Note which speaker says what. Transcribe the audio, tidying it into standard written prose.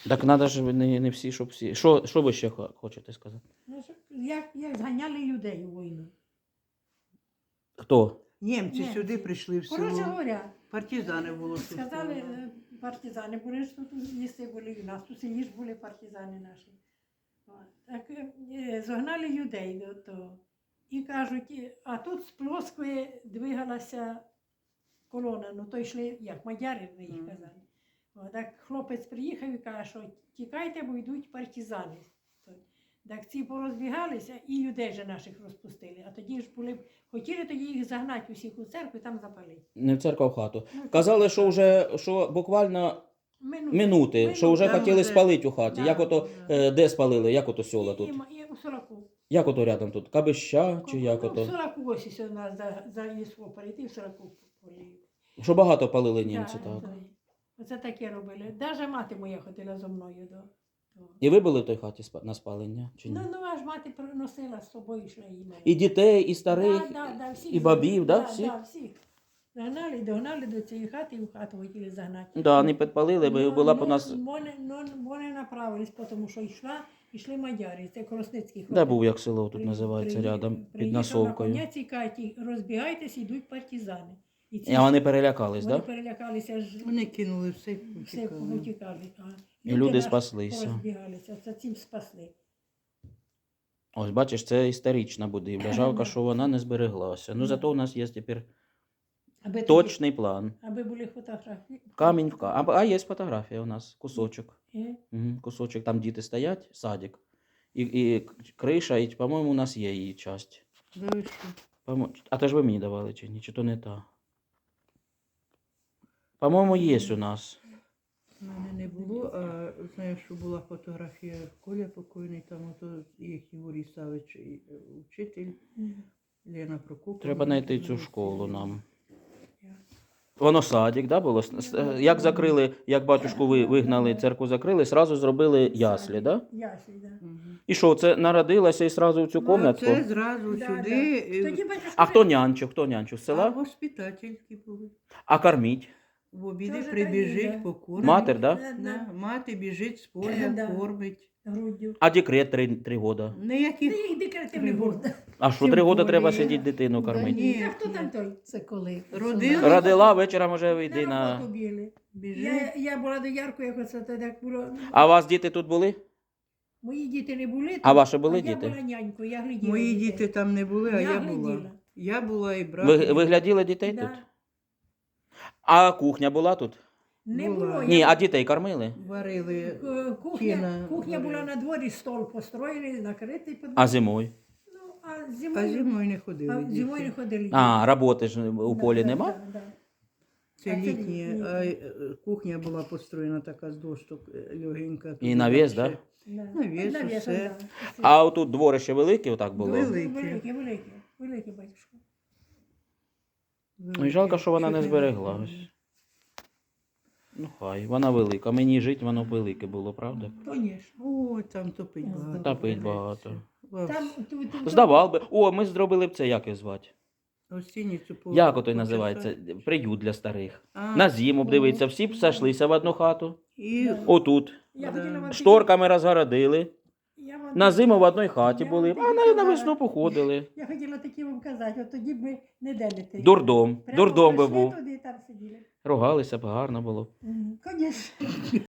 Speaker 1: Так треба ж не всі, щоб всі. Що ви ще хочете сказати?
Speaker 2: Ну, як зганяли людей у війну.
Speaker 1: Хто?
Speaker 3: Німці
Speaker 2: Німці.
Speaker 3: сюди прийшли в
Speaker 2: Коротше
Speaker 3: село.
Speaker 2: говоря,
Speaker 3: Партизани було тут.
Speaker 2: сказали, партизани були, що тут їсти були, і у нас у селі ж були партизани наші. От. Так зогнали людей до того. І кажуть, а тут з Плоскої двигалася колона, ну то йшли, як мадяри, ми їх казали. От, так хлопець приїхав і каже, що тікайте, бо йдуть партизани. Так ці порозбігалися і людей же наших розпустили. А тоді ж були, хотіли тоді їх загнати усіх у церкву і там запалити.
Speaker 1: Не в церкву, а в хату. Казали, що вже що буквально минути, що вже
Speaker 3: Там
Speaker 1: хотіли
Speaker 3: вже-
Speaker 1: спалити у хаті.
Speaker 2: Да,
Speaker 1: Як ото,
Speaker 2: да.
Speaker 1: де спалили, як ото села тут?
Speaker 2: І у Сораку.
Speaker 1: Як ото рядом тут? Кабища чи як
Speaker 2: Ну, в
Speaker 1: ото?
Speaker 2: Сораку ось у нас за лісо перейти, в Сораку полі.
Speaker 1: Що багато палили німці, так.
Speaker 2: Оце таке робили. Навіть мати моя ходила зо мною до.
Speaker 1: І ви були в той хаті на спалення? Чи ні?
Speaker 2: Ну, аж мати приносила з собою, йшла їм.
Speaker 1: І дітей, і старих,
Speaker 2: всіх
Speaker 1: і бабів, да,
Speaker 2: всіх?
Speaker 1: всіх?
Speaker 2: Да, всіх. Догнали до цієї хати і в хату хотіли загнати.
Speaker 1: Да, не підпалили, бо була б у нас...
Speaker 2: Вони направились, тому що йшли мадяри, це Коросницький.
Speaker 1: Де був, як село тут називається, рядом, під Насовкою.
Speaker 2: На коня цій каті, розбігайтесь, йдуть партизани.
Speaker 1: І вони перелякались,
Speaker 2: Вони
Speaker 1: так?
Speaker 2: перелякалися, ж
Speaker 3: Вони кинули все,
Speaker 2: все
Speaker 3: втікали.
Speaker 2: повтікали.
Speaker 1: І люди спаслися.
Speaker 2: Розбігалися, це цим спасли.
Speaker 1: Ось, бачиш, це історична будівля. Жалко, що вона не збереглася. Ну, зато у нас є тепер
Speaker 2: Аби
Speaker 1: точний план.
Speaker 2: Аби були фотографії.
Speaker 1: Камінь в камінь. А є фотографія у нас, кусочок.
Speaker 2: Е?
Speaker 1: Кусочок, там діти стоять, садик. І криша, і, по-моєму, у нас є її часть.
Speaker 3: Да ви що?
Speaker 1: А то ж ви мені давали чи ні? Чи то не та? По-моєму, є у нас.
Speaker 3: У мене не було, а знаю, що була фотографія Коля покойний, там ото їх Юрій Савич, учитель, Лена Прокопова.
Speaker 1: Треба знайти цю школу нам. Воно садик, да, було? Як закрили, як батюшку вигнали, церкву закрили, сразу зробили яслі, да?
Speaker 2: Яслі, да.
Speaker 3: Мгм.
Speaker 1: І що, це народилася і сразу в цю комнатку?
Speaker 3: Це зразу
Speaker 2: Да,
Speaker 3: сюди.
Speaker 2: да. Тоді батюшка
Speaker 1: А хто нянчив? Хто нянчив? З
Speaker 3: А
Speaker 1: села?
Speaker 3: воспитательки були.
Speaker 1: А корміть?
Speaker 3: В обіди
Speaker 2: Тоже
Speaker 3: прибіжить,
Speaker 2: такі, да.
Speaker 3: покормить.
Speaker 1: Матер, да?
Speaker 3: Да, мати біжить з поля,
Speaker 2: Да.
Speaker 3: кормить.
Speaker 2: груддю.
Speaker 1: А декрет 3 года?
Speaker 3: Ніяких
Speaker 2: Їх декретивний
Speaker 3: Три
Speaker 2: год.
Speaker 1: А що,
Speaker 3: Тим
Speaker 1: 3 года
Speaker 3: более.
Speaker 1: треба сидіти дитину
Speaker 3: Да
Speaker 1: кормити?
Speaker 3: ні.
Speaker 2: А хто там той? Це коли?
Speaker 3: Родила.
Speaker 1: Родила, вечором вже вийди
Speaker 2: На
Speaker 1: на...
Speaker 2: роботу бігли.
Speaker 3: біжить.
Speaker 2: Я була до Ярку, як оце тоді як було.
Speaker 1: А у вас діти тут були?
Speaker 2: Мої діти не були.
Speaker 1: А ваші були
Speaker 2: Я
Speaker 1: діти?
Speaker 2: була нянькою, я гляділа.
Speaker 3: Мої
Speaker 2: дітей.
Speaker 3: діти там не були, а
Speaker 2: Я
Speaker 3: я була.
Speaker 2: гляділа.
Speaker 3: Я була і брат.
Speaker 1: Ви гляділи дітей
Speaker 2: Да.
Speaker 1: тут? А кухня була тут?
Speaker 2: Не
Speaker 3: Була.
Speaker 2: було.
Speaker 1: Ні, а дітей кормили?
Speaker 3: Варили.
Speaker 2: Кухня
Speaker 3: Кіна
Speaker 2: була
Speaker 3: варили.
Speaker 2: на дворі, стол построєний, накритий. під-
Speaker 1: А зимою?
Speaker 2: Ну, а
Speaker 3: А
Speaker 2: зимою,
Speaker 3: зимою не ходили.
Speaker 2: а
Speaker 3: діти.
Speaker 2: зимою не ходили.
Speaker 1: А, роботи ж у полі
Speaker 2: Да,
Speaker 1: нема?
Speaker 2: да, да.
Speaker 3: Це
Speaker 2: А це
Speaker 3: літня,
Speaker 2: літня.
Speaker 3: а кухня була построєна така з дощок легенька.
Speaker 1: І
Speaker 3: туди
Speaker 1: навіс,
Speaker 3: так
Speaker 1: да?
Speaker 3: ще.
Speaker 2: Да.
Speaker 3: Навіс,
Speaker 2: Навісом,
Speaker 3: усе.
Speaker 2: да, усе.
Speaker 1: А отут дворище велике отак було?
Speaker 3: Велике.
Speaker 2: Велике, батюшко.
Speaker 1: Ну і жалко, що вона не збереглась. Ну хай, вона велика. Мені жити воно велике було, правда?
Speaker 2: Конечно.
Speaker 3: Ой, там топить багато.
Speaker 1: Топить багато.
Speaker 3: Во
Speaker 1: Здавав би. О, ми зробили б це, як його звати?
Speaker 3: гостиницю по-
Speaker 1: Як ото
Speaker 3: по
Speaker 1: називається? Приют для старих.
Speaker 3: А,
Speaker 1: На зиму б дивиться, всі б сошлися в одну хату.
Speaker 3: І
Speaker 2: Да.
Speaker 1: Отут.
Speaker 2: Я
Speaker 3: Да.
Speaker 2: хотіла вам
Speaker 1: Шторками розгородили.
Speaker 2: Я вам-
Speaker 1: На зиму в одній хаті
Speaker 2: Я
Speaker 1: були,
Speaker 2: вам
Speaker 1: а
Speaker 2: таки
Speaker 1: на весну
Speaker 2: казала.
Speaker 1: походили.
Speaker 2: Я хотіла такі вам казати, от тоді б ми не де не ти.
Speaker 1: Дурдом.
Speaker 2: Прямо
Speaker 1: Дурдом би
Speaker 2: прийшли
Speaker 1: був.
Speaker 2: туди і там сиділи.
Speaker 1: Ругалися б, гарно було.
Speaker 2: Звісно.